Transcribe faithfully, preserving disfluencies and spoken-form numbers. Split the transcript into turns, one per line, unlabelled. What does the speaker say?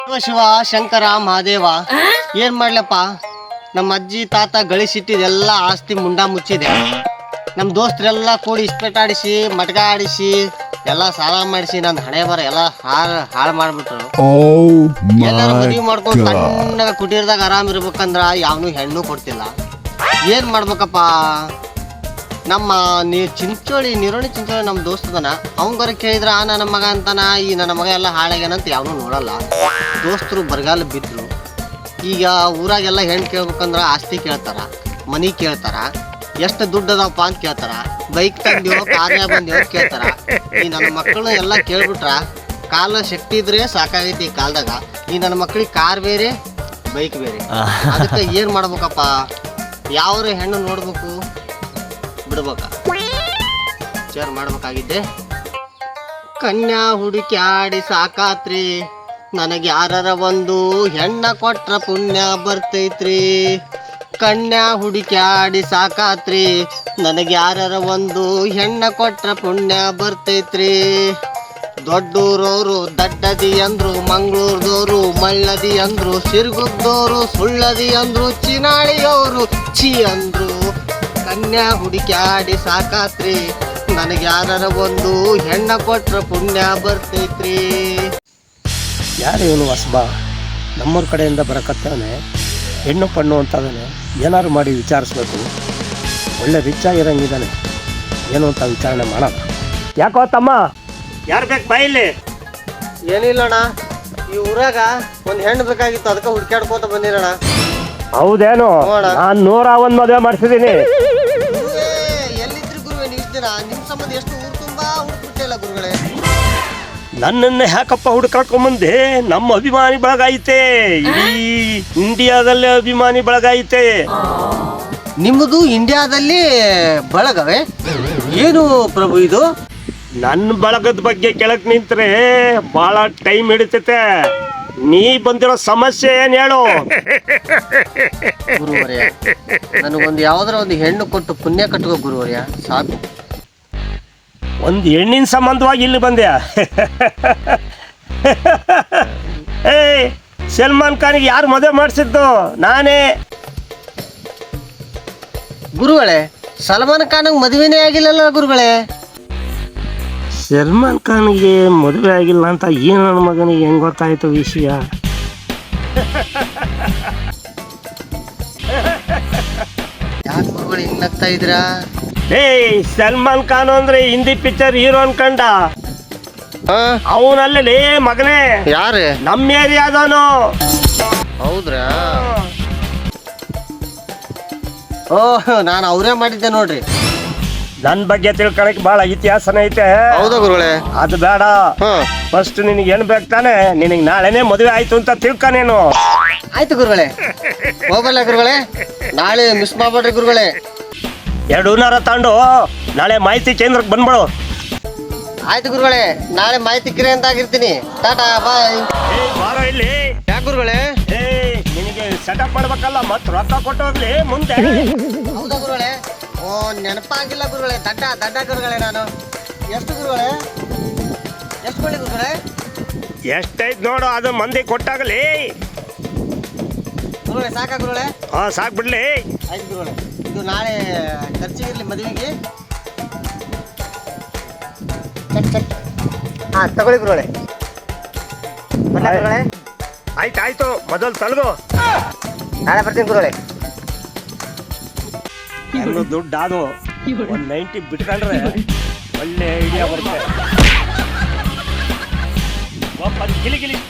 ಶಿವ ಶಿವ ಶಂಕರ ಮಹಾದೇವ ಏನ್ ಮಾಡ್ಲಪ್ಪ, ನಮ್ಮ ಅಜ್ಜಿ ತಾತ ಗಳಿಸಿಟ್ಟಿದೆಲ್ಲ ಆಸ್ತಿ ಮುಂಡ ಮುಚ್ಚಿದೆ. ನಮ್ಮ ದೋಸ್ತರೆಲ್ಲ ಕೂಡಿ ಇಸ್ಪೇಟ್ ಆಡಿಸಿ ಮಟ್ಗ ಆಡಿಸಿ ಎಲ್ಲ ಸಾಲ ಮಾಡಿಸಿ ನನ್ನ ಹಣೆ ಬರ ಎಲ್ಲ ಹಾಳು ಹಾಳು ಮಾಡ್ಬಿಟ್ರು. ಎಲ್ಲರೂ ಮದುವೆ ಮಾಡ್ಕೊಂಡು ಸಣ್ಣಗ ಕುಟೀರದಾಗ ಆರಾಮ್ ಇರ್ಬೇಕಂದ್ರ ಯಾವನು ಹೆಣ್ಣು ಕೊಡ್ತಿಲ್ಲ. ಏನ್ ಮಾಡ್ಬೇಕಪ್ಪ? ನಮ್ಮ ನೀ ಚಿಂಚೋಳಿ ನೀರೋಣಿ ಚಿಂಚೋಳಿ ನಮ್ಮ ದೋಸ್ತದನ ಅವಂಗಾರ ಕೇಳಿದ್ರ ಆ ನನ್ನ ಮಗ ಅಂತಾನ, ಈ ನನ್ನ ಮಗ ಎಲ್ಲ ಹಾಳಾಗ್ಯಾನಂತ ಯಾವನು ನೋಡಲ್ಲ. ದೋಸ್ತರು ಬರಗಾಲ ಬಿದ್ರು. ಈಗ ಊರಾಗೆಲ್ಲ ಹೆಣ್ಣು ಕೇಳ್ಬೇಕಂದ್ರ ಆಸ್ತಿ ಕೇಳ್ತಾರ, ಮನಿ ಕೇಳ್ತಾರ, ಎಷ್ಟು ದುಡ್ಡು ಅದಾವಪ್ಪ ಅಂತ ಕೇಳ್ತಾರ, ಬೈಕ್ ತಂದಿವೋ ಕಾರ್ಯ ಬಂದಿವೋ ಕೇಳ್ತಾರ. ಈ ನನ್ನ ಮಕ್ಕಳು ಎಲ್ಲ ಕೇಳ್ಬಿಟ್ರ ಕಾಲ ಶಕ್ತಿ ಇದ್ರೆ ಸಾಕಾಗೈತಿ ಈ ಕಾಲದಾಗ. ಈ ನನ್ನ ಮಕ್ಳಿಗೆ ಕಾರ್ ಬೇರೆ ಬೈಕ್ ಬೇರೆ. ಅದಕ್ಕೆ ಏನ್ ಮಾಡ್ಬೇಕಪ್ಪ? ಯಾವ ಹೆಣ್ಣು ನೋಡ್ಬೇಕು ಬಿಡ್ಬೇಕ ವಿಚಾರ ಮಾಡ್ಬೇಕಾಗಿದ್ದೆ. ಕನ್ಯಾ ಹುಡುಕ್ಯಾಡಿ ಸಾಕಾತ್ರಿ, ನನಗೆ ಯಾರರ ಒಂದು ಹೆಣ್ಣ ಕೊಟ್ರ ಪುಣ್ಯ ಬರ್ತೈತ್ರಿ. ಕನ್ಯಾ ಹುಡುಕ್ಯಾಡಿ ಸಾಕಾತ್ರಿ, ನನಗೆ ಯಾರರ ಒಂದು ಹೆಣ್ಣ ಕೊಟ್ರ ಪುಣ್ಯ ಬರ್ತೈತ್ರಿ. ದೊಡ್ಡೂರವರು ದಡ್ಡದಿ ಅಂದ್ರು, ಮಂಗಳೂರದವರು ಮಳ್ಳದಿ ಅಂದ್ರು, ಸಿರ್ಗುದ್ದೋರು ಸುಳ್ಳದಿ ಅಂದ್ರು, ಚಿನಾಳಿಯವರು ಚಿ ಅಂದ್ರು. ಕನ್ಯಾ ಹುಡುಕ್ಯಾಡಿ ಸಾಕಾತ್ರಿ, ನನಗೆ ಯಾರರ ಒಂದು ಹೆಣ್ಣ ಕೊಟ್ರ ಪುಣ್ಯ ಬರ್ತೈತ್ರಿ.
ಯಾರು ಇವನು ಹೊಸಬ ನಮ್ಮೂರ ಕಡೆಯಿಂದ ಬರಕತ್ತವನೆ, ಹೆಣ್ಣು ಪಣ್ಣು ಅಂತದಾನೆ. ಏನಾದ್ರು ಮಾಡಿ ವಿಚಾರಿಸ್ಬೇಕು. ಒಳ್ಳೆ ರಿಚ್ ಆಗಿರಂಗಿದ್ದಾನೆ, ಏನು ಅಂತ ವಿಚಾರಣೆ ಮಾಡೋಣ. ಯಾಕೋ ತಮ್ಮ, ಯಾರು ಬೇಕು ಬಾಯಿಲಿ?
ಏನಿಲ್ಲಣ್ಣ, ಈ ಊರಾಗ ಒಂದು ಹೆಣ್ಣು ಬೇಕಾಗಿತ್ತು, ಅದಕ್ಕೆ ಹುಡ್ಕ್ಯಾಡ್ಕೋತ ಬಂದಿರೋಣ.
ಹೌದೇನು? ನಾನು ನೂರ ಒಂದ್ ಮದುವೆ ಮಾಡಿಸಿದ್ದೀನಿ.
ಎಲ್ಲಿದ್ರಿ ಗುರುವೆ ನೀವು ಇದ್ದೀರ? ನಿಮ್ಮ ಸಂಬಂಧ ಎಷ್ಟು ಊರು ತುಂಬಾ ಹುಡುಕ್ಬಿಟ್ಟಿಲ್ಲ ಗುರುಗಳೇ.
ನನ್ನನ್ನು ಯಾಕಪ್ಪ ಹುಡುಕಾಕೊಂಬಂದೆ? ನಮ್ಮ ಅಭಿಮಾನಿ ಬಳಗ ಐತೆ, ಇಡೀ ಇಂಡಿಯಾದಲ್ಲೇ ಅಭಿಮಾನಿ ಬಳಗ ಐತೆ.
ನಿಮ್ಮದು ಇಂಡಿಯಾದಲ್ಲಿ ಬಳಗವೇ? ಏನು ಪ್ರಭು ಇದು?
ನನ್ನ ಬಳಗದ ಬಗ್ಗೆ ಕೆಳಕ್ ನಿಂತ್ರೆ ಬಹಳ ಟೈಮ್ ಹಿಡಿತೈತೆ. ನೀ ಬಂದಿರೋ ಸಮಸ್ಯೆ ಏನ್ ಹೇಳು?
ಗುರುವರ್ಯ, ನನಗೊಂದು ಯಾವ್ದಾರ ಒಂದು ಹೆಣ್ಣು ಕೊಟ್ಟು ಪುಣ್ಯ ಕಟ್ಟುವ ಗುರುವರ್ಯ, ಸಾಕು.
ಒಂದು ಹೆಣ್ಣಿನ ಸಂಬಂಧವಾಗಿ ಇಲ್ಲಿ ಬಂದ್ಯಾ? ಏಯ್, ಸಲ್ಮಾನ್ ಖಾನ್ಗೆ ಯಾರು ಮದುವೆ ಮಾಡಿಸಿದ್ದು? ನಾನೇ.
ಗುರುಗಳೇ, ಸಲ್ಮಾನ್ ಖಾನ್ ಮದುವೆನೇ ಆಗಿಲ್ಲಲ್ಲ ಗುರುಗಳೇ?
ಸಲ್ಮಾನ್ ಖಾನ್ಗೆ ಮದುವೆ ಆಗಿಲ್ಲ ಅಂತ ಈ ನನ್ನ ಮಗನಿಗೆ ಹೆಂಗ್ ಗೊತ್ತಾಯ್ತು ವಿಷಯ?
ಯಾಕೆ ಗುರುಗಳು ಹಿಂಗ್ ನಗ್ತಾ ಇದ್ರಾ?
ಏಯ್, ಸಲ್ಮಾನ್ ಖಾನ್ ಅಂದ್ರೆ ಹಿಂದಿ ಪಿಕ್ಚರ್ ಹೀರೋ ಅನ್ಕಂಡ. ಅವನಲ್ಲೇ ಮಗನೇ.
ಯಾರು?
ನಮ್ಮ ಏರಿಯಾದವನು.
ಹೌದ್ರಾ? ಓಹ್, ನಾನು ಅವರೇ ಮಾಡಿದ್ದೆ ನೋಡ್ರಿ.
ನನ್ ಬಗ್ಗೆ ತಿಳ್ಕೊಳಕ್ ಬಹಳ ಇತಿಹಾಸನ ಐತೆ.
ಹೌದಾ ಗುರುಗಳೇ?
ಅದು ಬೇಡ. ಫಸ್ಟ್ ನಿನಗೆ ಏನ್ ಬೇಕು ತಾನೆ? ನಿನಗೆ ನಾಳೆನೆ ಮದುವೆ ಆಯ್ತು ಅಂತ ತಿಳ್ಕ ನೀನು.
ಆಯ್ತು ಗುರುಗಳೇ, ಹೋಗಲ್ಲ ಗುರುಗಳೇ, ನಾಳೆ ಮಿಸ್ ಮಾಡ್ಬೇಡ್ರಿ ಗುರುಗಳೇ.
ಎರಡು ಹೂನಾರ ತಗೊಂಡು ನಾಳೆ ಮಾಹಿತಿ ಕೇಂದ್ರಕ್ಕೆ ಬಂದ್ಬಿಡು.
ಆಯ್ತು ಗುರುಗಳೇ, ನಾಳೆ ಮಾಹಿತಿ ಕಿರೆ ಅಂತ ಆಗಿರ್ತೀನಿ. ಟಾಟಾ ಬಾಯ್.
ಬಾರೋ ಇಲ್ಲಿ.
ಯಾಕೆ ಗುರುಗಳೇ?
ಏಯ್, ನಿನಗೆ ಸೆಟಪ್ ಮಾಡ್ಬೇಕಲ್ಲ, ಮತ್ ರೊಕ್ಕ ಕೊಟ್ಟು ಹೋಗ್ಲಿ ಮುಂದೆ.
ಹೌದಾ ಗುರುಗಳೇ? ಓ, ನೆನಪಾಗಿಲ್ಲ ಗುರುಗಳೇ. ದಡ್ಡ ದಡ್ಡ ಗುರುಗಳೇ ನಾನು. ಎಷ್ಟು ಗುರುಗಳೇ? ಎಷ್ಟು ಕೊಳ್ಳಿ ಗುರುಗಳೇ?
ಎಷ್ಟೈತ್ ನೋಡು, ಅದು ಮಂದಿ ಕೊಟ್ಟಾಗಲಿ.
ಗುರುಗಳೇ ಸಾಕಾ ಗುರುಗಳೇ?
ಹಾ, ಸಾಕ್ ಬಿಡ್ಲಿ.
ಆಯ್ತು ಗುರುಗಳೇ, ಇದು ನಾಳೆ ಖರ್ಚಿಗಿರ್ಲಿ ಮದುವೆಗೆ. Cheque cheque. ಹಾ, ತಗೊಳ್ಳಿ ಗುರುಗಳೇ. ಗುರುಗಳೇ
ಆಯ್ತು ಆಯ್ತು, ಮೊದಲು ತಲಗು.
ನಾಳೆ ಬರ್ತೀನಿ ಗುರುಗಳೇ.
ಎಲ್ಲ ದುಡ್ಡು ಅದು ಒಂದ್ ನೈಂಟಿ ಬಿಟ್ಕೊಂಡ್ರೆ ಒಳ್ಳೆ ಐಡಿಯಾ ಬರುತ್ತೆ. ಗಿಲಿ ಗಿಲಿ